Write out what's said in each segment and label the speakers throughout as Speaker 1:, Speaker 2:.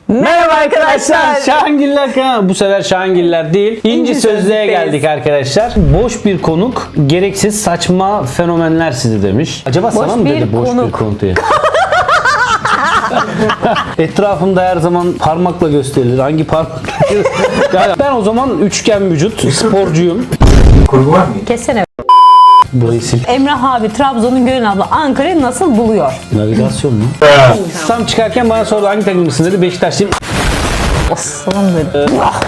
Speaker 1: Merhaba arkadaşlar. Şahangiller kanalı. Bu sefer Şahangiller değil. İnci Sözlüğe geldik arkadaşlar. Boş bir konuk, gereksiz saçma fenomenler sizi demiş. Acaba sana mı dedi boş bir konuk diye? Etrafımda her zaman parmakla gösterilir. Hangi parmakla? Yani ben o zaman üçgen vücut, sporcuyum.
Speaker 2: Kurgu var mı?
Speaker 3: Kessene.
Speaker 1: Burayı sil.
Speaker 3: Emrah abi Trabzon'un Gönül abla Ankara'yı nasıl buluyor?
Speaker 1: Navigasyon mu? Tam çıkarken bana sordu hangi takımlısın dedi. Beşiktaşlıyım.
Speaker 3: Aslan dedi.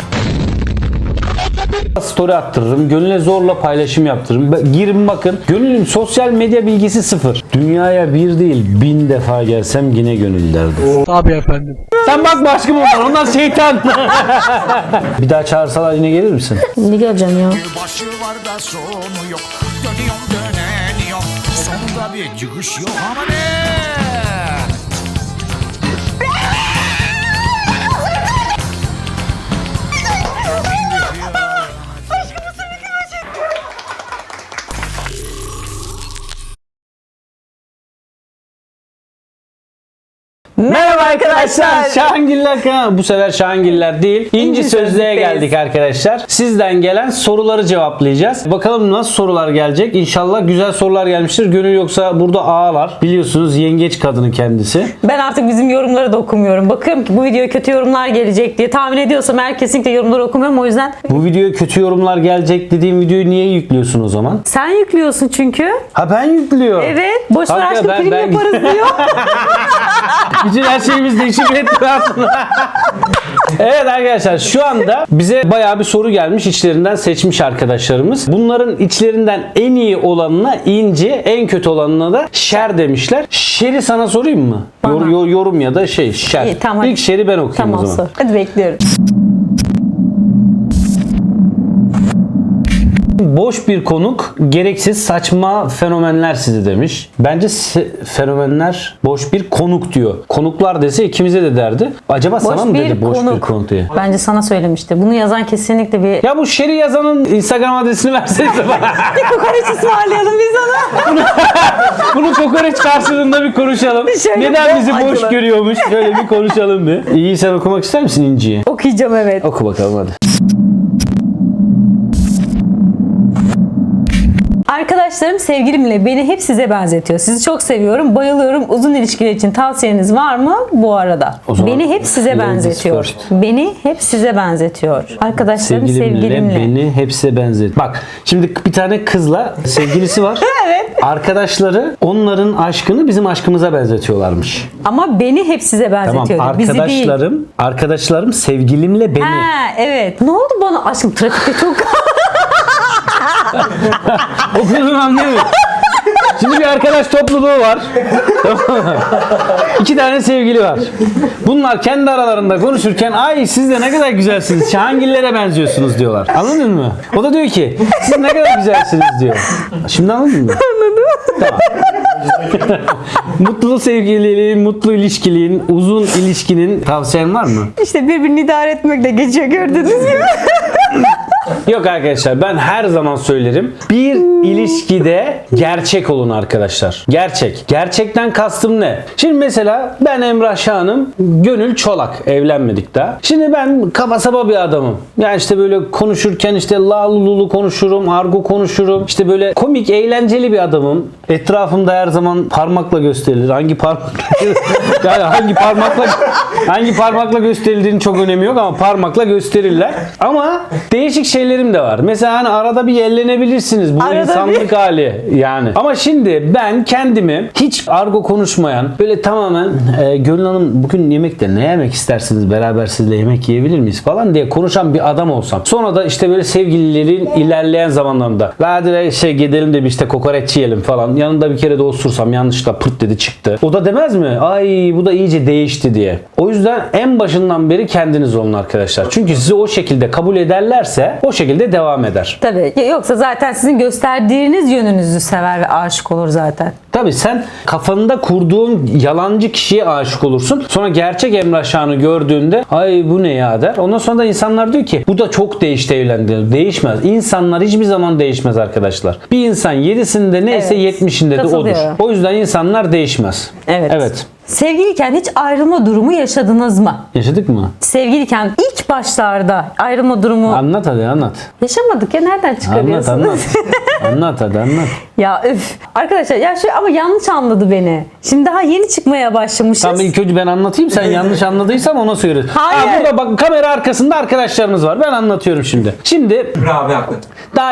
Speaker 1: Story attırırım. Gönül'e zorla paylaşım yaptırırım. Girin bakın. Gönül'ün sosyal medya bilgisi sıfır. Dünyaya bir değil 1000 defa gelsem yine Gönül derdi.
Speaker 4: Tabii efendim.
Speaker 1: Sen bakma aşkım onlar şeytan. Bir daha çağırsalar yine gelir misin?
Speaker 3: Ne geleceğim ya?
Speaker 5: Başı var da sonu yok. Dönüyorum döneniyorum. Sonunda bir çıkış yok ama ne?
Speaker 1: Merhaba arkadaşlar. Şahangiller kanalı. Bu sefer Şahangiller değil. İnci Sözlüğe geldik arkadaşlar. Sizden gelen soruları cevaplayacağız. Bakalım nasıl sorular gelecek. İnşallah güzel sorular gelmiştir. Gönül yoksa burada ağlar. Biliyorsunuz yengeç kadını kendisi.
Speaker 3: Ben artık bizim yorumları da okumuyorum. Bakıyorum ki bu videoya kötü yorumlar gelecek diye tahmin ediyorsam eğer kesinlikle yorumları okumuyorum. O yüzden
Speaker 1: Bu videoya kötü yorumlar gelecek dediğim videoyu niye yüklüyorsun o zaman?
Speaker 3: sen yüklüyorsun çünkü.
Speaker 1: Ha ben yüklüyorum.
Speaker 3: Evet. Boş ver
Speaker 1: Kanka,
Speaker 3: aşkım film
Speaker 1: ben-
Speaker 3: yaparız diyor.
Speaker 1: Bütün her şeyimiz değişik etrafında. Evet arkadaşlar şu anda bize bayağı bir soru gelmiş. İçlerinden seçmiş arkadaşlarımız. Bunların içlerinden en iyi olanına inci, en kötü olanına da şer demişler. Şer'i sana sorayım mı?
Speaker 3: Bana.
Speaker 1: Yorum ya da şer.
Speaker 3: İyi, tamam, hadi.
Speaker 1: İlk şer'i ben okuyayım o
Speaker 3: Tamam
Speaker 1: zaman.
Speaker 3: sor. Hadi bekliyorum.
Speaker 1: Boş bir konuk, gereksiz saçma fenomenler sizi demiş. Bence fenomenler boş bir konuk diyor. Konuklar dese ikimize de derdi. Acaba sana mı dedi boş bir konuk diye?
Speaker 3: Bence sana söylemişti. Bunu yazan kesinlikle bir...
Speaker 1: Ya bu şeri yazanın Instagram adresini versenize bana.
Speaker 3: Bir kokoreç ısmarlayalım biz ona.
Speaker 1: Bunu kokoreç karşılığında bir konuşalım.
Speaker 3: Şöyle
Speaker 1: Neden
Speaker 3: bol
Speaker 1: bizi boş
Speaker 3: acılı.
Speaker 1: görüyormuş? Şöyle bir konuşalım bir. İyi sen okumak ister misin İnci'yi?
Speaker 3: Okuyacağım evet.
Speaker 1: Oku bakalım hadi.
Speaker 3: Arkadaşlarım sevgilimle beni hep size benzetiyor. Sizi çok seviyorum, bayılıyorum. Uzun ilişkiler için tavsiyeniz var mı bu arada?
Speaker 1: O zaman
Speaker 3: Beni hep size
Speaker 1: ladies
Speaker 3: benzetiyor.
Speaker 1: first.
Speaker 3: Beni hep size benzetiyor. Arkadaşlarım sevgilimle.
Speaker 1: Beni hepsi benzet. Bak şimdi bir tane kızla sevgilisi var.
Speaker 3: Evet.
Speaker 1: Arkadaşları onların aşkını bizim aşkımıza benzetiyorlarmış.
Speaker 3: Ama beni hep size benzetiyor.
Speaker 1: Tamam
Speaker 3: Bizi değil.
Speaker 1: arkadaşlarım sevgilimle beni.
Speaker 3: Ha evet. Ne oldu bana? Aşkım trafikte çok...
Speaker 1: Okuduğunu anlayamıyorum. Şimdi bir arkadaş topluluğu var. Tamam mı? 2 tane sevgili var. Bunlar kendi aralarında konuşurken ay siz de ne kadar güzelsiniz. Şahangillere benziyorsunuz diyorlar. Anladın mı? O da diyor ki siz ne kadar güzelsiniz diyor. Şimdi anladın mı? Anladım. Tamam. Mutlu sevgililiğin, mutlu ilişkiliğin, uzun ilişkinin tavsiyen var mı?
Speaker 3: İşte birbirini idare etmekle geçiyor gördüğünüz gibi.
Speaker 1: Yok arkadaşlar ben her zaman söylerim. Bir ilişkide gerçek olun arkadaşlar. Gerçek. Gerçekten kastım ne? Şimdi mesela ben Emrah Şahan'ım. Gönül Çolak. Evlenmedik daha. Şimdi ben kaba saba bir adamım. Yani işte böyle konuşurken işte lulu konuşurum. Argo konuşurum. İşte böyle komik, eğlenceli bir adamım. Etrafımda her zaman parmakla gösterilir. Yani hangi parmakla gösterildiğinin çok önemi yok ama parmakla gösterirler. Ama değişik şeylerim de var. Mesela hani arada bir yerlenebilirsiniz. Bu
Speaker 3: Arada
Speaker 1: insanlık hali yani. Ama şimdi ben kendimi hiç argo konuşmayan böyle tamamen Gönül Hanım bugün yemekte ne yemek istersiniz? Beraber sizle yemek yiyebilir miyiz falan diye konuşan bir adam olsam. Sonra da işte böyle sevgililerin ilerleyen zamanlarında hadi gidelim de bir işte kokoreç yiyelim falan. Yanında bir kere de osursam yanlışlıkla pırt dedi çıktı. O da demez mi? Ay bu da iyice değişti diye. O yüzden en başından beri kendiniz olun arkadaşlar. Çünkü sizi o şekilde kabul ederlerse o şekilde devam eder.
Speaker 3: Tabii. Yoksa zaten sizin gösterdiğiniz yönünüzü sever ve aşık olur zaten.
Speaker 1: Tabii sen kafanda kurduğun yalancı kişiye aşık olursun. Sonra gerçek Emrah Şahan'ı gördüğünde ay bu ne ya der. Ondan sonra da insanlar diyor ki bu da çok değişti evlendi. Değişmez. İnsanlar hiçbir zaman değişmez arkadaşlar. Bir insan 7'sinde neyse
Speaker 3: Evet.
Speaker 1: 70'inde de odur.
Speaker 3: Katılıyorum.
Speaker 1: O yüzden insanlar değişmez.
Speaker 3: Evet.
Speaker 1: Evet.
Speaker 3: Sevgiliyken hiç ayrılma durumu yaşadınız mı?
Speaker 1: Yaşadık mı?
Speaker 3: Sevgiliyken ilk başlarda ayrılma durumu
Speaker 1: Anlat hadi anlat.
Speaker 3: yaşamadık ya, nereden
Speaker 1: Anlat
Speaker 3: çıkarıyorsunuz?
Speaker 1: anlat. Anlat hadi anlat.
Speaker 3: Ya üf. Arkadaşlar ya şu ama yanlış anladı beni. Şimdi daha yeni çıkmaya başlamışız.
Speaker 1: Tamam ilk önce ben anlatayım, sen yanlış anladıysam ona söyle.
Speaker 3: Hayır.
Speaker 1: Ha, burada bak kamera arkasında arkadaşlarımız var. Ben anlatıyorum şimdi. Şimdi
Speaker 2: Abi haklı.
Speaker 1: daha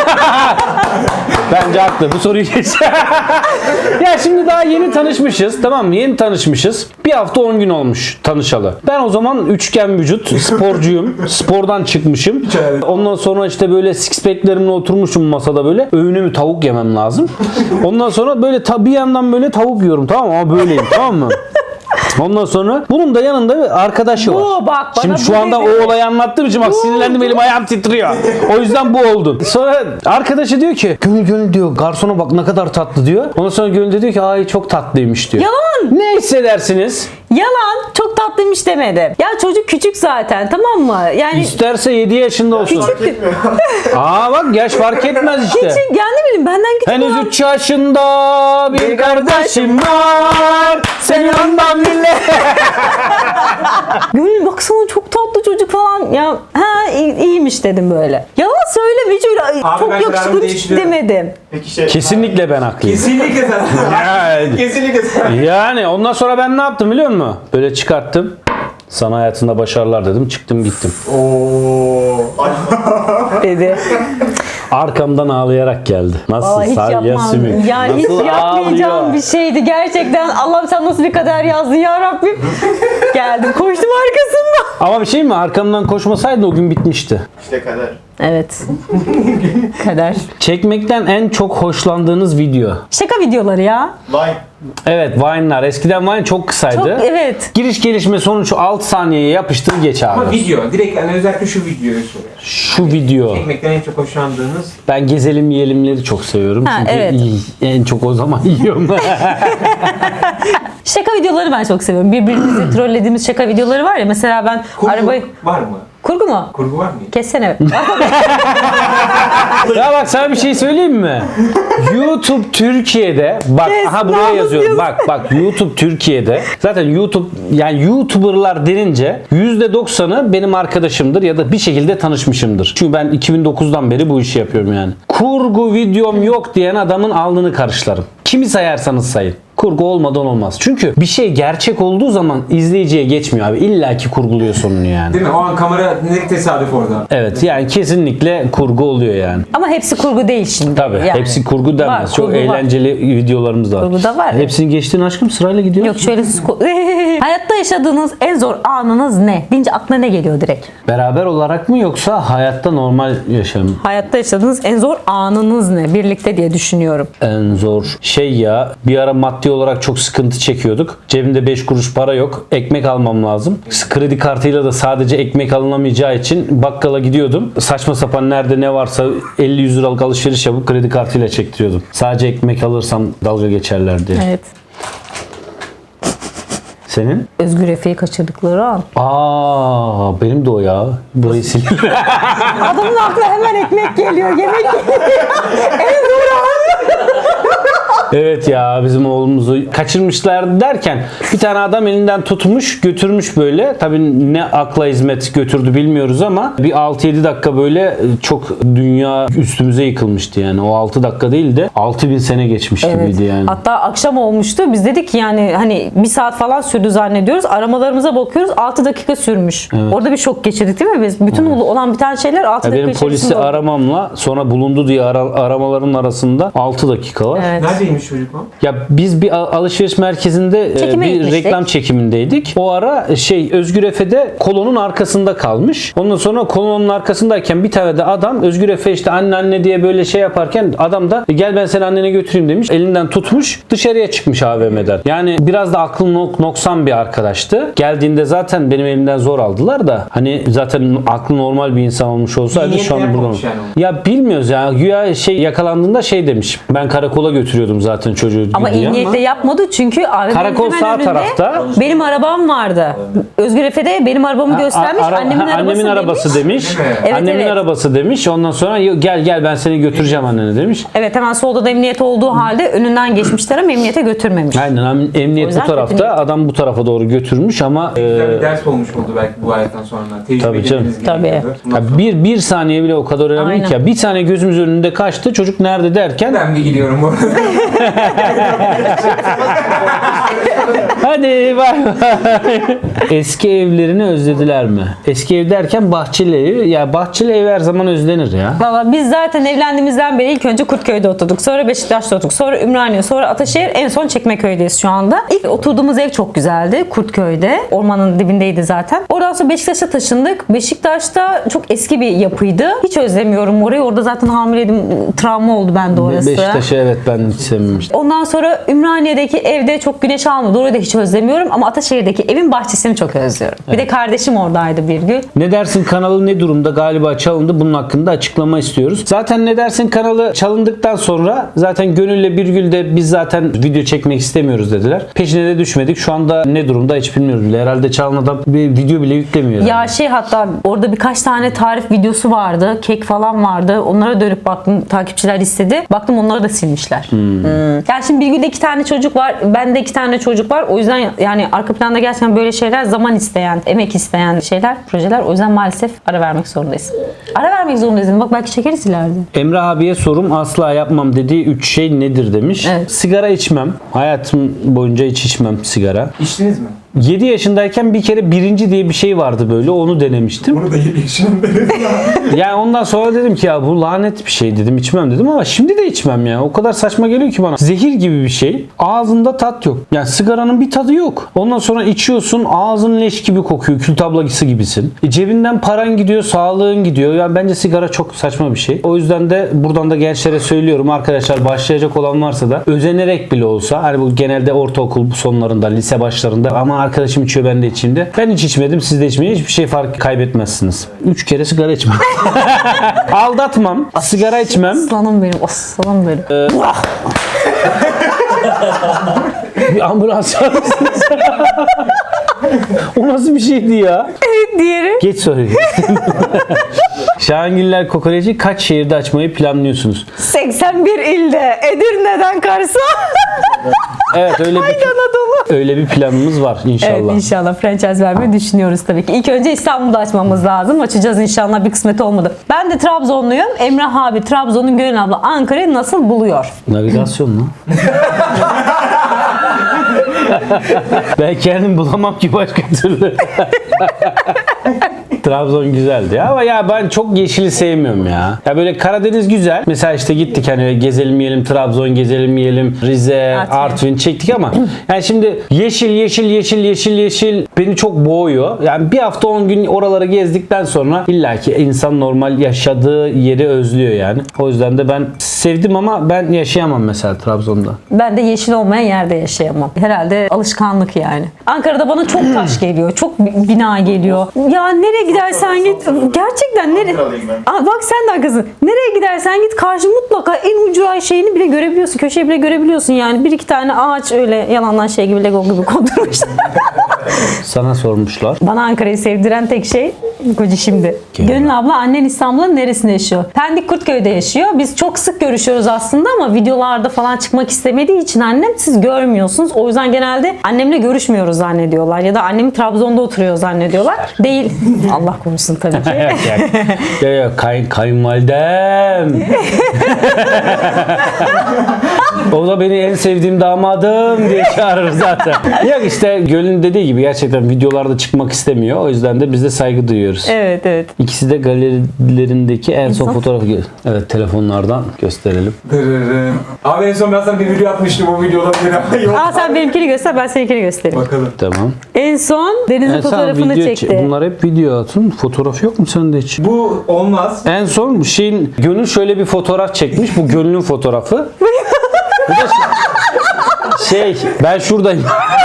Speaker 1: bence haklı. Bu soruyu geç. Ya şimdi daha yeni tanışmışız. Tamam mı? Yeni tanışmışız. Bir hafta 10 gün olmuş tanışalı. Ben o zaman üçgen vücut, sporcuyum. Spordan çıkmışım. Ondan sonra işte böyle six pack'lerimle oturmuşum masada böyle. Öğünümü tavuk yemem lazım. Ondan sonra böyle bir yandan böyle tavuk yiyorum, tamam mı? Ama böyleyim, tamam mı? Ondan sonra bunun da yanında bir arkadaşı var.
Speaker 3: Bu, bak, bana
Speaker 1: Şimdi şu
Speaker 3: bu
Speaker 1: anda
Speaker 3: dedi.
Speaker 1: o olayı anlattığım için bak sinirlendim, elim ayağım titriyor. O yüzden bu oldu. Sonra arkadaşı diyor ki Gönül diyor, garsona bak ne kadar tatlı diyor. Ondan sonra Gönül de diyor ki ay çok tatlıymış diyor.
Speaker 3: Yalan.
Speaker 1: Ne hissedersiniz?
Speaker 3: Yalan, çok tatlıymış demedim. Ya çocuk küçük zaten, tamam mı? Yani
Speaker 1: İsterse 7 yaşında olsun.
Speaker 3: küçük.
Speaker 1: Aa bak yaş fark etmez işte.
Speaker 3: Küçük, yani ne bileyim benden küçük
Speaker 1: Henüz
Speaker 3: olan.
Speaker 1: 3 yaşında bir kardeşim var. Senin ondan bile.
Speaker 3: Gönül baksana çok tatlı çocuk falan. Ya ha iyiymiş dedim böyle. Yalan söyleme, hiç öyle
Speaker 2: Abi
Speaker 3: çok
Speaker 2: ben
Speaker 3: yakışıklı
Speaker 2: kararımı
Speaker 3: bir
Speaker 2: değiştiriyorum.
Speaker 3: demedim.
Speaker 2: Peki
Speaker 1: Kesinlikle ben haklıyım.
Speaker 2: Kesinlikle sen.
Speaker 1: Yani.
Speaker 2: Kesinlikle sen.
Speaker 1: Yani ondan sonra ben ne yaptım biliyor musun? Böyle çıkarttım. Sana hayatında başarılar dedim. Çıktım gittim.
Speaker 3: Dedi.
Speaker 1: Arkamdan ağlayarak geldi. Nasıl?
Speaker 3: Aa, hiç
Speaker 1: Salya
Speaker 3: yapmam.
Speaker 1: sümük.
Speaker 3: Yani hiç
Speaker 1: Nasıl
Speaker 3: yapmayacağım
Speaker 1: ağlıyor?
Speaker 3: bir şeydi. Gerçekten Allah'ım sen nasıl bir kader yazdın ya Rabbim. Geldim koştum arkasından.
Speaker 1: Ama bir şey mi? Arkamdan koşmasaydı o gün bitmişti.
Speaker 2: İşte kader.
Speaker 3: Evet. Kader.
Speaker 1: Çekmekten en çok hoşlandığınız video.
Speaker 3: Şaka videoları ya.
Speaker 2: Vay.
Speaker 1: Evet, Vine'lar. Eskiden Vine çok kısaydı.
Speaker 3: Çok evet.
Speaker 1: Giriş gelişme sonuç 6 saniyeye yapıştır geç abi.
Speaker 2: Ama video. Direkt yani özellikle şu videoyu soruyor.
Speaker 1: Şu video.
Speaker 2: Çekmekten en çok hoşlandığınız.
Speaker 1: Ben gezelim yiyelimleri çok seviyorum.
Speaker 3: Ha,
Speaker 1: Çünkü
Speaker 3: evet.
Speaker 1: en çok o zaman yiyorum.
Speaker 3: Şaka videoları ben çok seviyorum. Birbirimizi trollediğimiz şaka videoları var ya. Mesela ben
Speaker 2: Kurgu
Speaker 3: arabayı...
Speaker 2: var mı?
Speaker 3: Kurgu mu?
Speaker 2: Kurgu var mı?
Speaker 3: Kessene.
Speaker 1: Ya bak sana bir şey söyleyeyim mi? YouTube Türkiye'de bak
Speaker 3: Kes,
Speaker 1: aha buraya
Speaker 3: namus
Speaker 1: yazıyorum. Bak YouTube Türkiye'de zaten YouTube yani YouTuber'lar denince %90'ı benim arkadaşımdır ya da bir şekilde tanışmışımdır. Çünkü ben 2009'dan beri bu işi yapıyorum yani. Kurgu videom yok diyen adamın alnını karışlarım. Kimi sayarsanız sayın. Kurgu olmadan olmaz. Çünkü bir şey gerçek olduğu zaman izleyiciye geçmiyor abi. İlla ki kurguluyor sonunu yani.
Speaker 2: Değil mi? O an kamera ne tesadüf orada.
Speaker 1: Evet yani kesinlikle kurgu oluyor yani.
Speaker 3: Ama hepsi kurgu değil şimdi.
Speaker 1: Tabii.
Speaker 3: Yani.
Speaker 1: Hepsi kurgu denmez.
Speaker 3: Var,
Speaker 1: Çok
Speaker 3: kurgu var.
Speaker 1: eğlenceli videolarımız da var.
Speaker 3: Kurgu da var.
Speaker 1: Hepsini geçtin aşkım, sırayla gidiyor.
Speaker 3: Yok şöyle siz... Hayatta yaşadığınız en zor anınız ne? Deyince aklına ne geliyor direkt?
Speaker 1: Beraber olarak mı yoksa hayatta normal yaşam?
Speaker 3: Hayatta yaşadığınız en zor anınız ne? Birlikte diye düşünüyorum.
Speaker 1: En zor şey ya, bir ara maddi olarak çok sıkıntı çekiyorduk. Cebimde 5 kuruş para yok. Ekmek almam lazım. Kredi kartıyla da sadece ekmek alınamayacağı için bakkala gidiyordum. Saçma sapan nerede ne varsa 50-100 liralık alışveriş yapıp kredi kartıyla çektiriyordum. Sadece ekmek alırsam dalga geçerler diye.
Speaker 3: Evet.
Speaker 1: Senin?
Speaker 3: Özgür Efe'yi kaçırdıkları an.
Speaker 1: Aa, benim de o ya. Burayı sil.
Speaker 3: Adamın aklına hemen ekmek geliyor, yemek geliyor. En zor an.
Speaker 1: Evet ya, bizim oğlumuzu kaçırmışlar derken bir tane adam elinden tutmuş götürmüş böyle. Tabii ne akla hizmet götürdü bilmiyoruz ama bir 6-7 dakika böyle çok dünya üstümüze yıkılmıştı yani. O 6 dakika değil de 6000 sene geçmiş gibiydi yani.
Speaker 3: Hatta akşam olmuştu. Biz dedik ki yani hani 1 saat falan sürdü zannediyoruz. Aramalarımıza bakıyoruz 6 dakika sürmüş. Orada bir şok geçirdik değil mi biz? Bütün olan biten şeyler 6
Speaker 1: Ya
Speaker 3: dakika
Speaker 1: benim
Speaker 3: içerisinde
Speaker 1: polisi
Speaker 3: oldu.
Speaker 1: aramamla sonra bulundu diye aramaların arasında 6 dakika var.
Speaker 3: Evet.
Speaker 2: Neredeymiş çocuk o?
Speaker 1: Ya biz bir alışveriş merkezinde
Speaker 3: Çekime
Speaker 1: bir
Speaker 3: gitmiştik.
Speaker 1: reklam çekimindeydik. O ara Özgür Efe'de kolonun arkasında kalmış. Ondan sonra kolonun arkasındayken bir tane de adam Özgür Efe işte anne diye böyle şey yaparken adam da gel ben seni annene götüreyim demiş. Elinden tutmuş dışarıya çıkmış AVM'den. Yani biraz da aklı noksan bir arkadaştı. Geldiğinde zaten benim elimden zor aldılar da hani zaten aklı normal bir insan olmuş olsaydı
Speaker 2: İyi
Speaker 1: şu an
Speaker 2: niyetle
Speaker 1: burada.
Speaker 2: yapmamış yani onu.
Speaker 1: Ya bilmiyoruz ya. Güya yakalandığında demiş. Ben karakola götürüyordum zaten çocuğu
Speaker 3: Ama iyi
Speaker 1: diye
Speaker 3: niyetle yapmadı çünkü AVM'nin
Speaker 1: Karakol
Speaker 3: hemen
Speaker 1: sağ
Speaker 3: önünde
Speaker 1: tarafta.
Speaker 3: benim arabam vardı. Özgür Efe de benim arabamı göstermiş. Annemin arabası
Speaker 1: demiş.
Speaker 2: Değil mi?
Speaker 3: Evet,
Speaker 1: Annemin
Speaker 3: evet.
Speaker 1: arabası demiş. Ondan sonra gel ben seni götüreceğim annene demiş.
Speaker 3: Evet, hemen solda da emniyet olduğu halde önünden geçmişler ama emniyete götürmemiş.
Speaker 1: Aynen,
Speaker 3: O
Speaker 1: emniyet
Speaker 3: yüzden
Speaker 1: bu tarafta,
Speaker 3: kötü niyet.
Speaker 1: adam bu tarafa doğru götürmüş ama
Speaker 2: Güzel bir ders olmuş oldu belki bu hayattan sonra.
Speaker 1: Tabii canım.
Speaker 2: Tecrübeleriniz
Speaker 3: Tabii.
Speaker 2: gerekiyordu. Bundan
Speaker 1: ya
Speaker 2: sonra
Speaker 1: bir saniye bile o kadar önemli
Speaker 3: Aynen.
Speaker 1: ki ya. Bir saniye gözümüz önünde kaçtı. Çocuk nerede derken
Speaker 2: ben bir gidiyorum bu arada.
Speaker 1: hadi bay bay. Eski evlerini özlediler mi? Eski ev derken bahçeli ev. Ya bahçeli ev her zaman özlenir ya.
Speaker 3: Valla biz zaten evlendiğimizden beri ilk önce Kurtköy'de oturduk. Sonra Beşiktaş'ta oturduk. Sonra Ümraniye, sonra Ataşehir. En son Çekmeköy'deyiz şu anda. İlk oturduğumuz ev çok güzeldi. Kurtköy'de. Ormanın dibindeydi zaten. Oradan sonra Beşiktaş'a taşındık. Beşiktaş'ta çok eski bir yapıydı. Hiç özlemiyorum orayı. Orada zaten hamileydim. Travma oldu bende orası.
Speaker 1: Beşiktaş'ı evet ben hiç sevmemiştim.
Speaker 3: Ondan sonra Ümraniye'deki evde çok güneş almadı. Orayı da hiç özlemiyorum. Ama Ataşehir'deki evin bahçesini çok özlüyorum. Bir de kardeşim oradaydı bir gün.
Speaker 1: Ne dersin kanalı ne durumda? Galiba çalındı. Bunun hakkında açıklama istiyoruz. Zaten ne dersin kanalı çalındıktan sonra zaten Gönül'le Birgül de biz zaten video çekmek istemiyoruz dediler. Peşine de düşmedik. Şu anda ne durumda hiç bilmiyoruz bile. Herhalde çalan adam bir video bile yüklemiyor.
Speaker 3: Ya hatta orada birkaç tane tarif videosu vardı. Kek falan vardı. Onlara dönüp baktım. Takipçiler istedi. Baktım onları da silmişler. Yani şimdi Birgül'de 2 tane çocuk var. Bende 2 tane çocuk var. O yüzden yani arka planda gerçekten böyle şeyler zaman isteyen, emek isteyen şeyler, projeler. O yüzden maalesef ara vermek zorundayız. Ara vermek zorundayız. Bak belki çekeriz ileride.
Speaker 1: Emrah abiye sorum asla yapmam dediği 3 şey nedir demiş.
Speaker 3: Evet.
Speaker 1: Sigara içmem. Hayatım boyunca hiç içmem sigara.
Speaker 2: İçtiniz mi?
Speaker 1: 7 yaşındayken bir kere birinci diye bir şey vardı böyle. Onu denemiştim.
Speaker 2: Bunu da 7 yaşında
Speaker 1: Yani ondan sonra dedim ki ya bu lanet bir şey dedim, içmem dedim ama şimdi de içmem ya. O kadar saçma geliyor ki bana. Zehir gibi bir şey. Ağzında tat yok. Yani sigaranın bir tadı yok. Ondan sonra içiyorsun, ağzın leş gibi kokuyor. Kül tablası gibisin. Cebinden paran gidiyor, sağlığın gidiyor. Yani bence sigara çok saçma bir şey. O yüzden de buradan da gençlere söylüyorum arkadaşlar, başlayacak olan varsa da özenerek bile olsa, hani bu genelde ortaokul sonlarında, lise başlarında, ama arkadaşım içiyor ben de içeyim de. Ben hiç içmedim, siz de içmeyin. Hiçbir şey fark kaybetmezsiniz. 3 kere sigara içmem. Aldatmam. Sigara içmem.
Speaker 3: Aslanım benim. Aslanım benim.
Speaker 1: Bir ambulans çağırır mısınız? O nasıl bir şeydi ya?
Speaker 3: Diğeri.
Speaker 1: Geç soruyu. Şahangiller Kokoreci kaç şehirde açmayı planlıyorsunuz?
Speaker 3: 81 ilde. Edirne'den Kars'a.
Speaker 1: Evet, öyle bir planımız var inşallah.
Speaker 3: Evet, inşallah franchise vermeyi düşünüyoruz tabii ki. İlk önce İstanbul'da açmamız lazım. Açacağız inşallah, bir kısmet olmadı. Ben de Trabzonluyum. Emrah abi Trabzon'un, Gönül abla Ankara'yı nasıl buluyor?
Speaker 1: Navigasyon mu? Ben kendim bulamam ki başka türlü. Trabzon güzeldi ya. Ama ya ben çok yeşili sevmiyorum ya. Ya böyle Karadeniz güzel. Mesela işte gittik hani gezelim yiyelim, Trabzon gezelim yiyelim, Rize, Artvin çektik ama yani şimdi yeşil beni çok boğuyor. Yani bir hafta 10 gün oraları gezdikten sonra illaki insan normal yaşadığı yeri özlüyor yani. O yüzden de ben sevdim ama ben yaşayamam mesela Trabzon'da.
Speaker 3: Ben de yeşil olmayan yerde yaşayamam. Herhalde alışkanlık yani. Ankara'da bana çok taş geliyor. Çok bina geliyor. Ya nereye gidersen git. Gerçekten nereye? Aa, bak sen de haklısın. Nereye gidersen git karşı mutlaka en ucra şeyini bile görebiliyorsun. Köşeyi bile görebiliyorsun yani. Bir iki tane ağaç öyle yalandan şey gibi, Lego gibi kondurmuşlar.
Speaker 1: Sana sormuşlar.
Speaker 3: Bana Ankara'yı sevdiren tek şey Koca şimdi. Gönül abla annen İstanbul'un neresinde yaşıyor? Pendik Kurtköy'de yaşıyor. Biz çok sık görüşüyoruz aslında ama videolarda falan çıkmak istemediği için annem siz görmüyorsunuz. O yüzden genelde annemle görüşmüyoruz zannediyorlar. Ya da annem Trabzon'da oturuyor zannediyorlar. Değil. Allah korusun tabii ki.
Speaker 1: Ya kayınvalidem. O da beni en sevdiğim damadım diye çağırır zaten. Yok işte Göl'ün dediği gibi gerçekten videolarda çıkmak istemiyor. O yüzden de biz de saygı duyuyoruz.
Speaker 3: Evet evet.
Speaker 1: İkisi de galerilerindeki en son fotoğrafı. Evet, telefonlardan gösterelim.
Speaker 2: Abi en son ben sana bir video atmıştım, o videoda bir yok.
Speaker 3: Aa, sen benimkini göster, ben seninkini göstereyim.
Speaker 2: Bakalım.
Speaker 1: Tamam.
Speaker 3: En son Deniz'in fotoğrafını çekti.
Speaker 1: Bunlar hep video atın. Fotoğraf yok mu sende hiç?
Speaker 2: Bu olmaz.
Speaker 1: En son şeyin Gönül şöyle bir fotoğraf çekmiş. Bu Gönül'ün fotoğrafı. Bu da Ben şuradayım.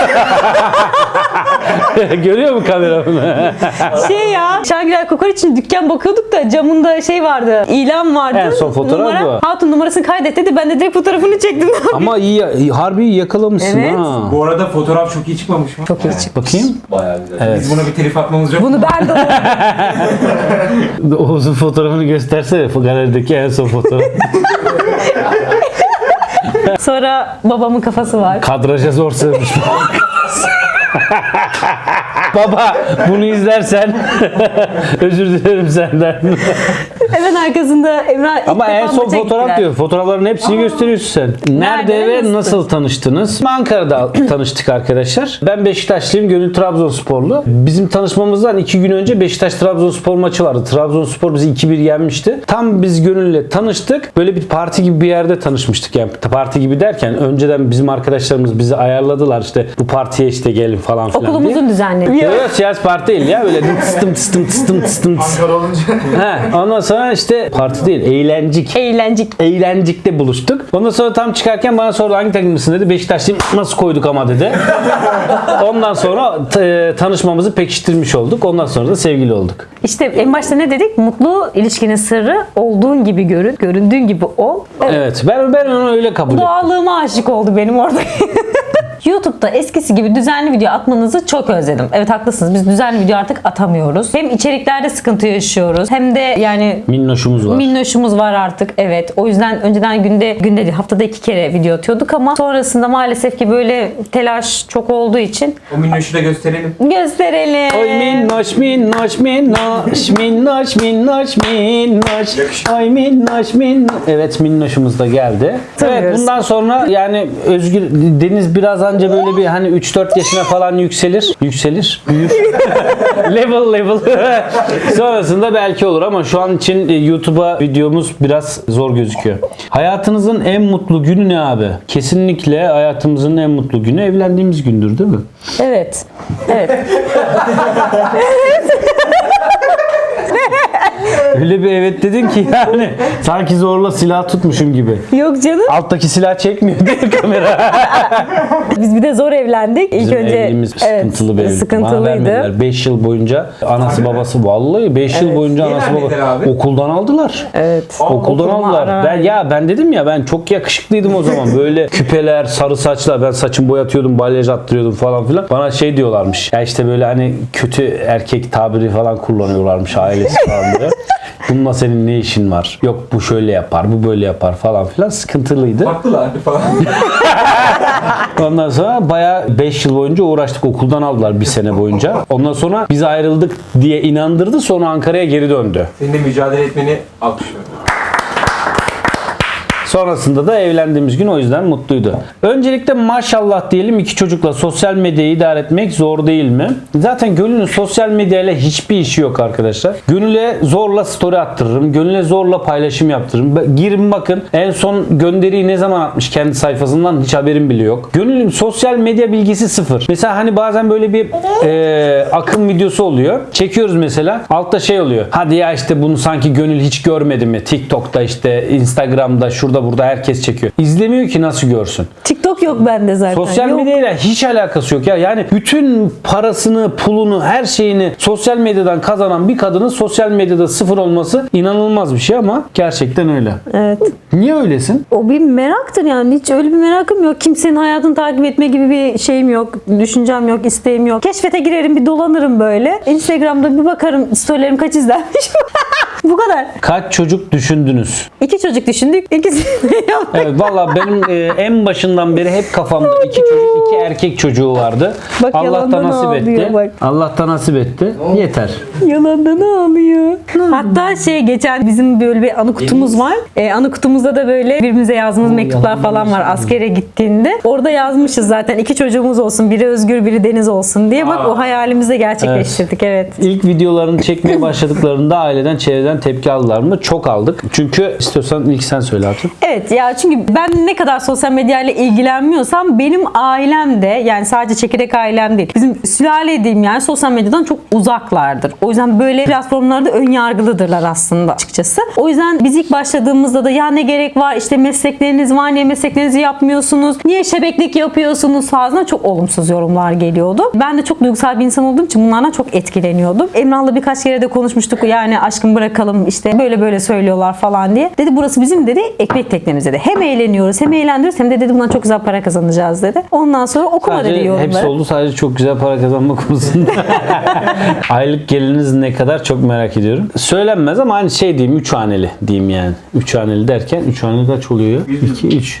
Speaker 1: Görüyor mu kamera bunu?
Speaker 3: Şangirel Kokoreç'in dükkan bakıyorduk da camında vardı. İlan vardı.
Speaker 1: En son fotoğraf bu.
Speaker 3: Hatun numarasını kaydet dedi. Ben de direkt fotoğrafını çektim.
Speaker 1: Ama harbi iyi yakalamışsın
Speaker 3: Evet.
Speaker 1: ha.
Speaker 2: Bu arada fotoğraf çok iyi çıkmamış mı?
Speaker 3: Çok iyi çıktı.
Speaker 1: Bakayım.
Speaker 2: Bayağı güzel.
Speaker 1: Evet.
Speaker 2: Biz buna bir telif atmamız yok.
Speaker 3: Bunu ben de
Speaker 1: Oğuz'un fotoğrafını göstersene. Galerideki en son fotoğraf.
Speaker 3: Sonra babamın kafası var.
Speaker 1: Kadraja zor sığmış. Baba bunu izlersen özür dilerim senden.
Speaker 3: Hemen arkasında Emrah ilk
Speaker 1: Ama
Speaker 3: defa
Speaker 1: en son
Speaker 3: maça
Speaker 1: fotoğraf
Speaker 3: gittiler.
Speaker 1: diyor. Fotoğrafların hepsini gösteriyorsun sen. Nerede
Speaker 3: ve
Speaker 1: ve nasıl tanıştınız? Ankara'da tanıştık arkadaşlar. Ben Beşiktaşlıyım. Gönül Trabzonsporlu. Bizim tanışmamızdan 2 gün önce Beşiktaş-Trabzonspor maçı vardı. Trabzonspor bizi 2-1 yenmişti. Tam biz Gönül'le tanıştık. Böyle bir parti gibi bir yerde tanışmıştık. Yani parti gibi derken önceden bizim arkadaşlarımız bizi ayarladılar. İşte bu partiye işte gelin falan filan diye.
Speaker 3: Okulumuzun düzenli.
Speaker 1: Yok siyasi parti değil ya. Böyle tıstım.
Speaker 2: Ankara olunca.
Speaker 1: Ondan sonra işte parti değil. Eğlencik. Eğlencik'te buluştuk. Ondan sonra tam çıkarken bana sordu hangi takımlısın dedi. Beşiktaşlıyım. Nasıl koyduk ama dedi. Ondan sonra tanışmamızı pekiştirmiş olduk. Ondan sonra da sevgili olduk.
Speaker 3: İşte en başta ne dedik? Mutlu ilişkinin sırrı olduğun gibi görün, göründüğün gibi ol.
Speaker 1: Evet. Ben onu öyle kabul ettim.
Speaker 3: Doğallığıma aşık oldu benim orada. YouTube'da eskisi gibi düzenli video atmanızı çok özledim. Evet haklısınız. Biz düzenli video artık atamıyoruz. Hem içeriklerde sıkıntı yaşıyoruz hem de yani
Speaker 1: Minnoşumuz var.
Speaker 3: minnoşumuz var artık. Evet. O yüzden önceden günde değil haftada 2 kere video atıyorduk ama sonrasında maalesef ki böyle telaş çok olduğu için
Speaker 2: O minnoşu da gösterelim.
Speaker 3: gösterelim.
Speaker 1: Oy minnoş minnoş minnoş minnoş minnoş minnoş oy minnoş minnoş. Evet minnoşumuz da geldi. Evet
Speaker 3: Tanıyoruz.
Speaker 1: bundan sonra yani Özgür Deniz biraz anca böyle bir hani 3-4 yaşına falan yükselir. Büyür. level. Sonrasında belki olur ama şu an için YouTube'a videomuz biraz zor gözüküyor. Hayatınızın en mutlu günü ne abi? Kesinlikle hayatımızın en mutlu günü evlendiğimiz gündür değil mi?
Speaker 3: Evet.
Speaker 1: Öyle bir evet dedin ki yani sanki zorla silah tutmuşum gibi.
Speaker 3: Yok canım.
Speaker 1: Alttaki silah çekmiyor değil kamera.
Speaker 3: Biz bir de zor evlendik. İlk
Speaker 1: Bizim
Speaker 3: önce
Speaker 1: evliliğimiz sıkıntılı bir evlilik.
Speaker 3: Sıkıntılıydı.
Speaker 1: 5 yıl boyunca anası babası vallahi 5 yıl boyunca
Speaker 2: Niye
Speaker 1: anası
Speaker 2: vermediler
Speaker 1: babası
Speaker 2: abi?
Speaker 1: okuldan aldılar.
Speaker 3: Evet.
Speaker 1: Okuldan
Speaker 3: Okuluma
Speaker 1: aldılar.
Speaker 3: ara
Speaker 1: Ben dedim ya ben çok yakışıklıydım o zaman. Böyle küpeler, sarı saçlar. Ben saçımı boyatıyordum, balyaj attırıyordum falan filan. Bana şey diyorlarmış. Ya işte böyle hani kötü erkek tabiri falan kullanıyorlarmış ailesi falan diye. Bununla senin ne işin var? Yok bu şöyle yapar, bu böyle yapar falan filan. Sıkıntılıydı.
Speaker 2: Baktılar falan.
Speaker 1: Ondan sonra bayağı 5 yıl boyunca uğraştık. Okuldan aldılar bir sene boyunca. Ondan sonra biz ayrıldık diye inandırdı. Sonra Ankara'ya geri döndü.
Speaker 2: Senin de mücadele etmeni alkışlıyorum.
Speaker 1: Sonrasında da evlendiğimiz gün o yüzden mutluydu. Öncelikle maşallah diyelim 2 çocukla sosyal medyayı idare etmek zor değil mi? Zaten Gönül'ün sosyal medyayla hiçbir işi yok arkadaşlar. Gönül'e zorla story attırırım. Gönül'e zorla paylaşım yaptırırım. Girin bakın en son gönderiyi ne zaman atmış kendi sayfasından hiç haberim bile yok. Gönül'ün sosyal medya bilgisi sıfır. Mesela hani bazen böyle bir akım videosu oluyor. Çekiyoruz mesela. Altta şey oluyor. Hadi ya işte bunu sanki Gönül hiç görmedi mi? TikTok'ta işte Instagram'da şurada burada herkes çekiyor. İzlemiyor ki nasıl görsün.
Speaker 3: TikTok yok bende zaten.
Speaker 1: Sosyal
Speaker 3: Yok.
Speaker 1: medyayla hiç alakası yok ya. Yani bütün parasını, pulunu, her şeyini sosyal medyadan kazanan bir kadının sosyal medyada sıfır olması inanılmaz bir şey ama gerçekten öyle.
Speaker 3: Evet.
Speaker 1: Niye öylesin?
Speaker 3: O bir meraktır yani. Hiç öyle bir merakım yok. Kimsenin hayatını takip etme gibi bir şeyim yok. Düşüncem yok, isteğim yok. Keşfete girerim, bir dolanırım böyle. Instagram'da bir bakarım storylerim kaç izlenmiş. Bu kadar.
Speaker 1: Kaç çocuk düşündünüz?
Speaker 3: 2 çocuk düşündük. İkisini yaptık.
Speaker 1: Evet valla benim en başından beri hep kafamda 2 çocuk, 2 erkek çocuğu vardı.
Speaker 3: Bak,
Speaker 1: Allah da
Speaker 3: yalandan
Speaker 1: nasip
Speaker 3: ağlıyor
Speaker 1: etti.
Speaker 3: bak.
Speaker 1: Allah da nasip etti. Yeter.
Speaker 3: Yalandan ağlıyor. Hatta geçen bizim böyle bir anı kutumuz var. Anı kutumuzda da böyle birbirimize yazdığımız mektuplar falan var askere gittiğinde. Orada yazmışız zaten 2 çocuğumuz olsun. Biri Özgür, biri Deniz olsun diye. Bak o hayalimizi de gerçekleştirdik. Evet.
Speaker 1: İlk videolarını çekmeye başladıklarında aileden, çevreden gelen tepki aldılar mı? Çok aldık. Çünkü istiyorsan ilk sen söyle artık.
Speaker 3: Evet ya, çünkü ben ne kadar sosyal medyayla ilgilenmiyorsam benim ailem de, yani sadece çekirdek ailem değil, bizim sülale diyeyim yani, sosyal medyadan çok uzaklardır. O yüzden böyle platformlarda ön yargılıdırlar aslında açıkçası. O yüzden biz ilk başladığımızda da ya ne gerek var, işte meslekleriniz var, niye mesleklerinizi yapmıyorsunuz, niye şebeklik yapıyorsunuz tarzında çok olumsuz yorumlar geliyordu. Ben de çok duygusal bir insan olduğum için bunlardan çok etkileniyordum. Emrah'la birkaç kere de konuşmuştuk, yani aşkım bırakalım işte böyle söylüyorlar falan diye. Dedi burası bizim dedi ekmek teknemiz dedi. Hem eğleniyoruz hem eğlendiriyoruz hem de dedi bundan çok güzel para kazanacağız dedi. Ondan sonra okuma dedi yorumları.
Speaker 1: Hepsi oldu, sadece çok güzel para kazanma konusunda. Aylık geliriniz ne kadar çok merak ediyorum. Söylenmez ama hani şey diyeyim, 3 haneli diyeyim yani. 3 haneli derken 3 haneli kaç oluyor? 2, 3.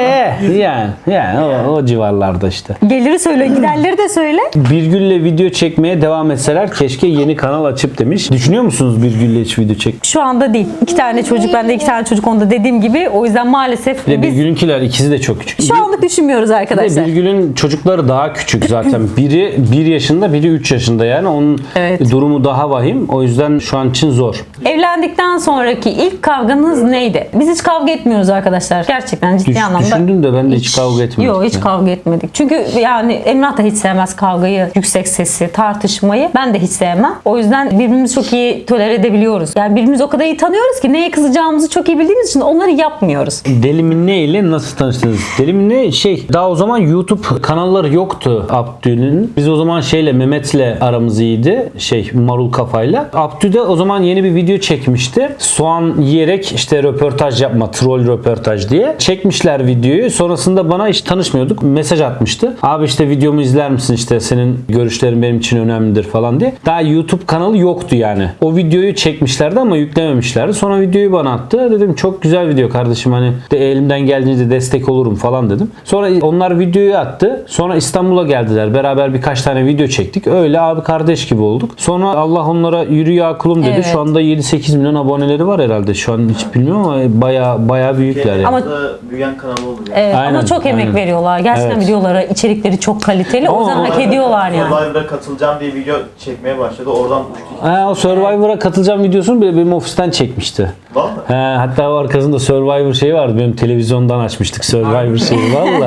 Speaker 1: Yani o civarlarda işte.
Speaker 3: Geliri söyle, giderleri de söyle.
Speaker 1: Birgül'le video çekmeye devam etseler keşke yeni kanal açıp demiş. Düşünüyor musunuz Birgül'le hiç video çek?
Speaker 3: Şu anda değil. 2 tane çocuk, bende 2 tane çocuk, onda dediğim gibi. O yüzden maalesef
Speaker 1: Bir de
Speaker 3: biz
Speaker 1: Birgül'ünkiler ikisi de çok küçük.
Speaker 3: şu anlık düşünmüyoruz
Speaker 1: Bir de
Speaker 3: arkadaşlar.
Speaker 1: Birgül'ün çocukları daha küçük zaten. Biri 1 yaşında, biri 3 yaşında yani. Onun
Speaker 3: Evet.
Speaker 1: durumu daha vahim. O yüzden şu an için zor.
Speaker 3: Evlendikten sonraki ilk kavganız neydi? Biz hiç kavga etmiyoruz arkadaşlar. Gerçekten ciddi anlamda.
Speaker 1: Düşündüm de ben de hiç kavga etmedik.
Speaker 3: Yok, hiç
Speaker 1: yani.
Speaker 3: kavga etmedik. Çünkü yani Emrah da hiç sevmez kavgayı, yüksek sesi, tartışmayı. Ben de hiç sevmem. O yüzden birbirimizi çok iyi tolere edebiliyoruz. Yani birbirimizi o kadar iyi tanıyoruz ki neye kızacağımızı çok iyi bildiğimiz için onları yapmıyoruz.
Speaker 1: Deli Minne ile nasıl tanıştınız? Deli Minne daha o zaman YouTube kanalları yoktu Abdü'nün. Biz o zaman Mehmet'le aramız iyiydi. Marul Kafa'yla. Abdü de o zaman yeni bir video çekmişti. Soğan yiyerek işte röportaj yapma, troll röportaj diye. Çekmişler videoyu. Sonrasında bana hiç tanışmıyorduk. Mesaj atmıştı. Abi işte videomu izler misin, işte senin görüşlerin benim için önemlidir falan diye. Daha YouTube kanalı yoktu yani. O videoyu çekmişlerdi ama yüklememişlerdi. Sonra videoyu bana attı. Dedim çok güzel video kardeşim, hani de elimden geldiğince destek olurum falan dedim. Sonra onlar videoyu attı. Sonra İstanbul'a geldiler. Beraber birkaç tane video çektik. Öyle abi kardeş gibi olduk. Sonra Allah onlara yürü ya kulum dedi.
Speaker 3: Evet.
Speaker 1: Şu anda 7-8 milyon aboneleri var herhalde. Şu an hiç bilmiyorum ama bayağı büyükler yani.
Speaker 3: Ama
Speaker 4: büyüyen kanal oldu yani.
Speaker 3: evet,
Speaker 1: Aynen,
Speaker 3: ama çok emek
Speaker 1: aynen.
Speaker 3: veriyorlar. Gerçekten
Speaker 1: Evet.
Speaker 3: videoları, içerikleri çok kaliteli. O yüzden hak ediyorlar yani.
Speaker 4: Survivor'a katılacağım diye video çekmeye başladı. Oradan
Speaker 1: O Survivor'a katılacağım videosunu bile benim ofisten çekmişti.
Speaker 4: var mı?
Speaker 1: Hatta o arkasında Survivor şeyi vardı. Benim televizyondan açmıştık Survivor şeyi valla.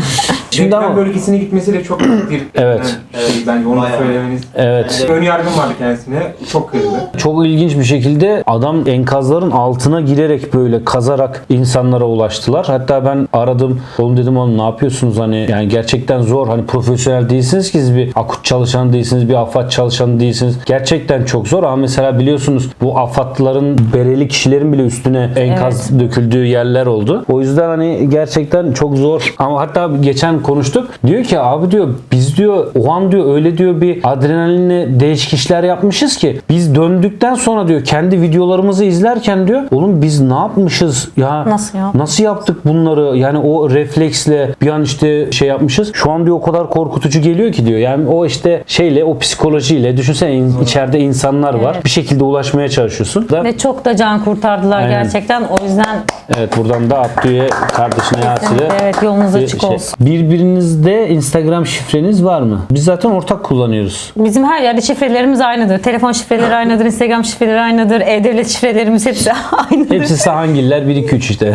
Speaker 1: Şimdi
Speaker 2: Deprem
Speaker 1: ama
Speaker 2: bölgesine gitmesi de çok büyük bir
Speaker 1: Evet.
Speaker 2: bence onu
Speaker 4: Bayağı.
Speaker 2: söylemeniz.
Speaker 1: evet.
Speaker 2: Ön yargım vardı kendisine. Çok kırıldı.
Speaker 1: Çok ilginç bir şekilde adam enkazların altına girerek böyle kazarak insanlara ulaştılar. Hatta ben aradım. Oğlum dedim, oğlum ne yapıyorsunuz, hani yani gerçekten zor. Hani profesyonel değilsiniz ki, siz bir akut çalışan değilsiniz, bir AFAD çalışanı değilsiniz. Gerçekten çok zor ama mesela biliyorsunuz bu AFAD'ların bereli kişilerin bile üstüne enkaz döküldüğü yerler oldu. O yüzden hani gerçekten çok zor. Ama hatta geçen konuştuk. Diyor ki abi diyor, biz diyor o an diyor öyle diyor bir adrenalinle değişik işler yapmışız ki biz döndükten sonra diyor kendi videolarımızı izlerken diyor oğlum biz ne yapmışız ya,
Speaker 3: Nasıl ya?
Speaker 1: nasıl yaptık bunları, yani o refleksle bir an işte yapmışız. Şu an diyor o kadar korkutucu geliyor ki diyor. Yani o işte o psikolojiyle düşünsene içeride insanlar var.
Speaker 3: Evet.
Speaker 1: Bir şekilde ulaşmaya çalışıyorsun.
Speaker 3: Ve çok da can kurtardılar
Speaker 1: Aynen.
Speaker 3: gerçekten. O yüzden
Speaker 1: Evet, buradan da Abdü'ye, kardeşine Yasir'e
Speaker 3: evet, yolunuz
Speaker 1: bir
Speaker 3: açık olsun.
Speaker 1: Birbirinizde Instagram şifreniz var mı? Biz zaten ortak kullanıyoruz.
Speaker 3: Bizim her yerde şifrelerimiz aynıdır. Telefon şifreleri aynıdır, Instagram şifreleri aynıdır, e-devlet şifrelerimiz hepsi aynıdır.
Speaker 1: Hepsi Sahangiller 1-2-3 işte.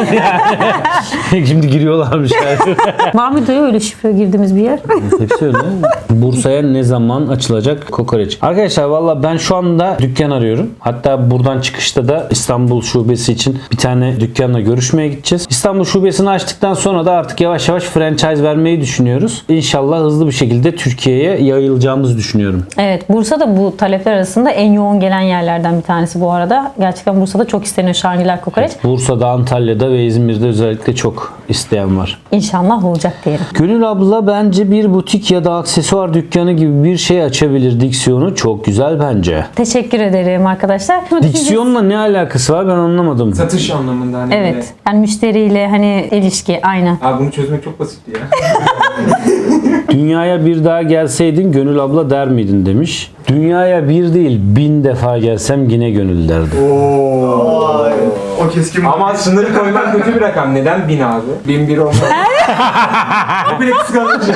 Speaker 1: Şimdi giriyorlarmış yani.
Speaker 3: Var mıydı ya öyle şifre girdiğimiz bir yer?
Speaker 1: Hepsi öyle. Bursa'ya ne zaman açılacak kokoreç? Arkadaşlar valla ben şu anda dükkan arıyorum. Hatta buradan çıkışta da İstanbul şubesi için bir tane dükkanla görüşmeye gideceğiz. İstanbul şubesini açtıktan sonra da artık yavaş yavaş franchise vermeyi düşünüyoruz. İnşallah hızlı bir şekilde Türkiye'ye yayılacağımızı düşünüyorum.
Speaker 3: Evet, Bursa'da bu talepler arasında en yoğun gelen yerlerden bir tanesi bu arada. Gerçekten Bursa'da çok isteniyor Şangiller kokoreç.
Speaker 1: Bursa'da, Antalya'da ve İzmir'de özellikle çok isteyen var.
Speaker 3: İnşallah olacak diyelim.
Speaker 1: Gönül abla bence bir butik ya da aksesuar dükkanı gibi bir şey açabilir. Diksiyonu çok güzel bence.
Speaker 3: Teşekkür ederim arkadaşlar.
Speaker 1: Diksiyonla ne alakası var ben anlamadım.
Speaker 2: Satış anlamında hani böyle.
Speaker 3: Evet. Yani müşteriyle hani ilişki aynen.
Speaker 2: Abi bunu çözmek çok basitti ya.
Speaker 1: Dünyaya bir daha gelseydin Gönül abla der miydin demiş. Dünyaya bir değil 1000 defa gelsem yine Gönül derdim.
Speaker 4: Vay.
Speaker 2: O keskin. Ama sınırı koymak kötü bir rakam. Neden 1000 abi? 1001 olmaz. O bile kıskanç.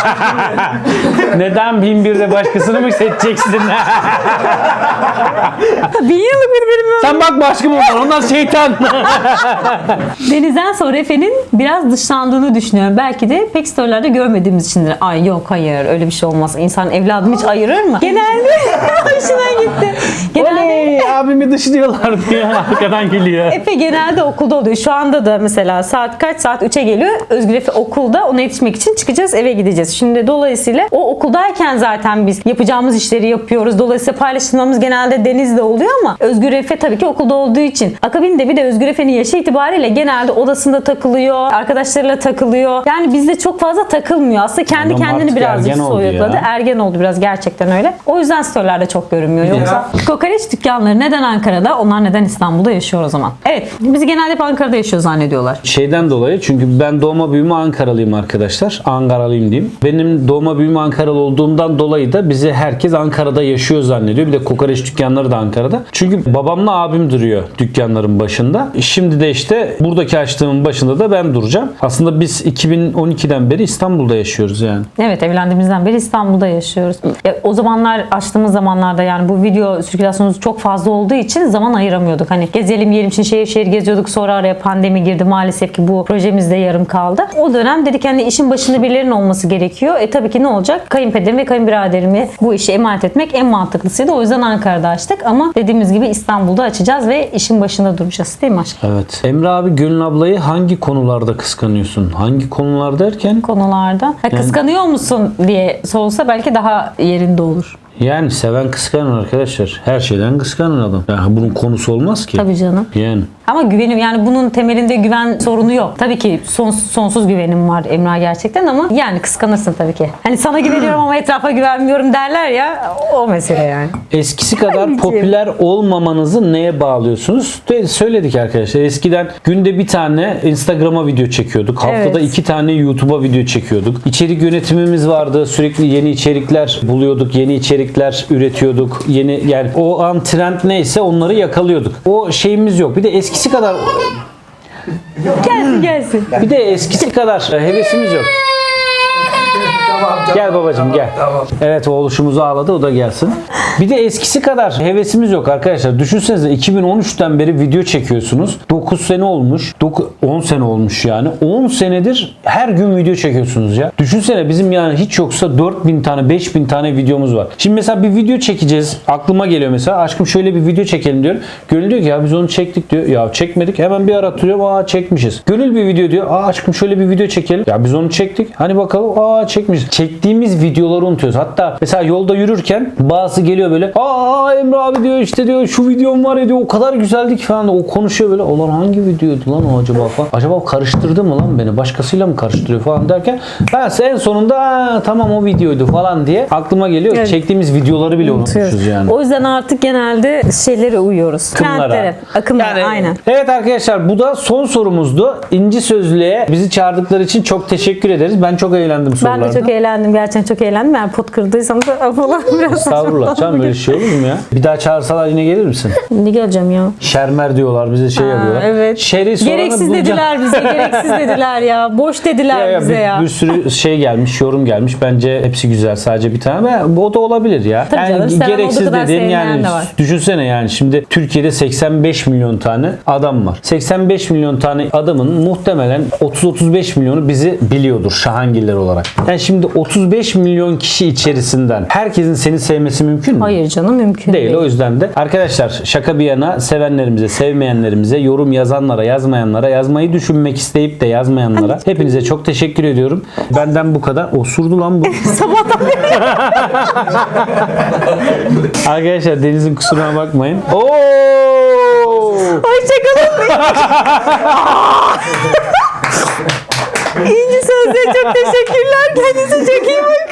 Speaker 1: Neden 1001'de başkasını mı seçeceksin?
Speaker 3: 1000 yıllık birbirim yok.
Speaker 1: Sen bak başka mı var? Onlar şeytan.
Speaker 3: Deniz'den sonra Efe'nin biraz dışlandığını düşünüyorum. Belki de pek storylerde görmediğimiz içindir. Ay yok hayır öyle bir şey olmaz. İnsan evladını hiç ayırır mı? Genelde hoşuna gitti. Genelde
Speaker 1: Oley abimi dışlıyorlar diye arkadan geliyor.
Speaker 3: Efe genelde okulda oluyor. Şu anda da mesela saat kaç? Saat 3'e geliyor. Özgür Efe okulda. Ona yetişmek için çıkacağız, eve gideceğiz. Şimdi dolayısıyla o okuldayken zaten biz yapacağımız işleri yapıyoruz. Dolayısıyla paylaşımlarımız genelde Deniz'de oluyor ama Özgür Efe tabii ki okulda olduğu için. Akabinde bir de Özgür Efe'nin yaşı itibariyle genelde odasında takılıyor, arkadaşlarıyla takılıyor. Yani bizde çok fazla takılmıyor. Aslında kendi
Speaker 1: Adam
Speaker 3: kendini
Speaker 1: artık
Speaker 3: birazcık
Speaker 1: ergen oldu
Speaker 3: soyutladı.
Speaker 1: ya.
Speaker 3: Ergen oldu biraz, gerçekten öyle. O yüzden storylerde çok görünmüyor. Yoksa kokoreç dükkanları neden Ankara'da? Onlar neden İstanbul'da yaşıyor o zaman? Evet. Biz genelde hep Ankara'da yaşıyor zannediyorlar.
Speaker 1: Şeyden dolayı, çünkü ben doğma büyüme Ankaralıyım arkadaşlar. Ankaralıyım diyeyim. Benim doğma büyüme Ankaralı olduğumdan dolayı da bizi herkes Ankara'da yaşıyor zannediyor. Bir de kokoreç dükkanları da Ankara'da. Çünkü babamla abim duruyor dükkanların başında. Şimdi de işte buradaki açtığımın başında da ben duracağım. Aslında biz 2012'den beri İstanbul'da yaşıyoruz yani.
Speaker 3: Evet, evlendiğimizden beri İstanbul'da yaşıyoruz. O zamanlar, açtığımız zamanlarda yani bu video sirkülasyonumuz çok fazla olduğu için zaman ayıramıyorduk. Hani gezelim yiyelim için şehir şehir geziyorduk. Sonra araya pandemi girdi. Maalesef ki bu projemiz de yarım kaldı. O dönem dedik hani işin başında birilerinin olması gerekiyor. Tabii ki ne olacak? Kayınpederim ve kayınbiraderimi bu işi emanet etmek en mantıklısıydı. O yüzden Ankara'da açtık ama dediğimiz gibi İstanbul'da açacağız ve işin başında duracağız. Değil mi aşkım?
Speaker 1: Evet. Emre abi, Gönül ablayı hangi konularda kıskanıyorsun? Hangi konular derken?
Speaker 3: Konularda. Kıskanıyor musun diye sorulsa belki daha yerinde olur.
Speaker 1: Yani seven kıskanır arkadaşlar. Her şeyden kıskanır adam. Yani bunun konusu olmaz ki.
Speaker 3: Tabii canım.
Speaker 1: Yani.
Speaker 3: Ama güvenim, yani bunun temelinde güven sorunu yok. Tabii ki sonsuz güvenim var Emrah gerçekten ama yani kıskanırsın tabii ki. Hani sana güveniyorum ama etrafa güvenmiyorum derler ya, o mesele yani.
Speaker 1: Eskisi kadar
Speaker 3: Anneciğim.
Speaker 1: popüler olmamanızı neye bağlıyorsunuz? Söyledik arkadaşlar. Eskiden günde bir tane Instagram'a video çekiyorduk. Haftada
Speaker 3: Evet.
Speaker 1: 2 tane YouTube'a video çekiyorduk. İçerik yönetimimiz vardı. Sürekli yeni içerikler buluyorduk. Yeni içerikler üretiyorduk. Yani o an trend neyse onları yakalıyorduk. O şeyimiz yok. Bir de eskisi kadar
Speaker 3: Gelsin.
Speaker 1: bir de eskisi kadar hevesimiz yok. Gel babacığım gel. Evet, oğluşumuz ağladı, o da gelsin. Bir de eskisi kadar hevesimiz yok arkadaşlar. Düşünsenize 2013'ten beri video çekiyorsunuz. 9 sene olmuş. 10 sene olmuş yani. 10 senedir her gün video çekiyorsunuz ya. Düşünsene bizim yani hiç yoksa 4000 tane 5000 tane videomuz var. Şimdi mesela bir video çekeceğiz. Aklıma geliyor mesela. Aşkım şöyle bir video çekelim diyor. Gönül diyor ki ya biz onu çektik diyor. Ya çekmedik. Hemen bir aratıyorum. Aa çekmişiz. Gönül bir video diyor. Aa aşkım şöyle bir video çekelim. Ya biz onu çektik. Hani bakalım. Aa çekmişiz. Çektiğimiz videoları unutuyoruz. Hatta mesela yolda yürürken bazı geliyor böyle. Aa Emre abi diyor işte diyor şu videom var ya diyor. O kadar güzeldi ki falan. O konuşuyor böyle. Ulan hangi videoydu lan o acaba falan. Acaba karıştırdı mı lan beni? Başkasıyla mı karıştırıyor falan derken ben en sonunda tamam o videoydu falan diye aklıma geliyor.
Speaker 3: Evet.
Speaker 1: Çektiğimiz videoları bile unutmuşuz yani.
Speaker 3: O yüzden artık genelde şeylere uyuyoruz. Trendlere, akımlara, aynen.
Speaker 1: Evet arkadaşlar, bu da son sorumuzdu. İnci Sözlüğe bizi çağırdıkları için çok teşekkür ederiz. Ben çok eğlendim sorularda.
Speaker 3: Ben de çok eğlendim. Gerçekten çok eğlendim. Yani pot kırdıysam da falan biraz
Speaker 1: Estağfurullah canım, böyle şey olur mu ya? Bir daha çağırsalar yine gelir misin?
Speaker 3: Ne geleceğim ya?
Speaker 1: Şermer diyorlar bize, şey yapıyorlar.
Speaker 3: Evet.
Speaker 1: Şeri soranı
Speaker 3: Gereksiz
Speaker 1: bulacağım.
Speaker 3: dediler bize. Gereksiz dediler ya. Boş dediler bize ya.
Speaker 1: Bir sürü şey gelmiş, yorum gelmiş. Bence hepsi güzel. Sadece bir tane. O da olabilir ya.
Speaker 3: Tabii canım, seven
Speaker 1: gereksiz
Speaker 3: olduğu kadar
Speaker 1: dediğin
Speaker 3: sevmeyen
Speaker 1: yani
Speaker 3: de var.
Speaker 1: düşünsene yani şimdi Türkiye'de 85 milyon tane adam var. 85 milyon tane adamın muhtemelen 30-35 milyonu bizi biliyordur Şahangiller olarak. Yani şimdi 35 milyon kişi içerisinden herkesin seni sevmesi mümkün mü?
Speaker 3: Hayır canım, mümkün değil.
Speaker 1: Değil. O yüzden de arkadaşlar şaka bir yana, sevenlerimize, sevmeyenlerimize, yorum yazanlara, yazmayanlara, yazmayı düşünmek isteyip de yazmayanlara hepinize çok teşekkür ediyorum. Benden bu kadar. Osurdu lan bu.
Speaker 3: Sabahtan beri.
Speaker 1: Arkadaşlar Deniz'in kusuruna bakmayın. Oo!
Speaker 3: Hoşçakalın. İnci Sözlüğe çok teşekkürler. Kendinize çok iyi bakın.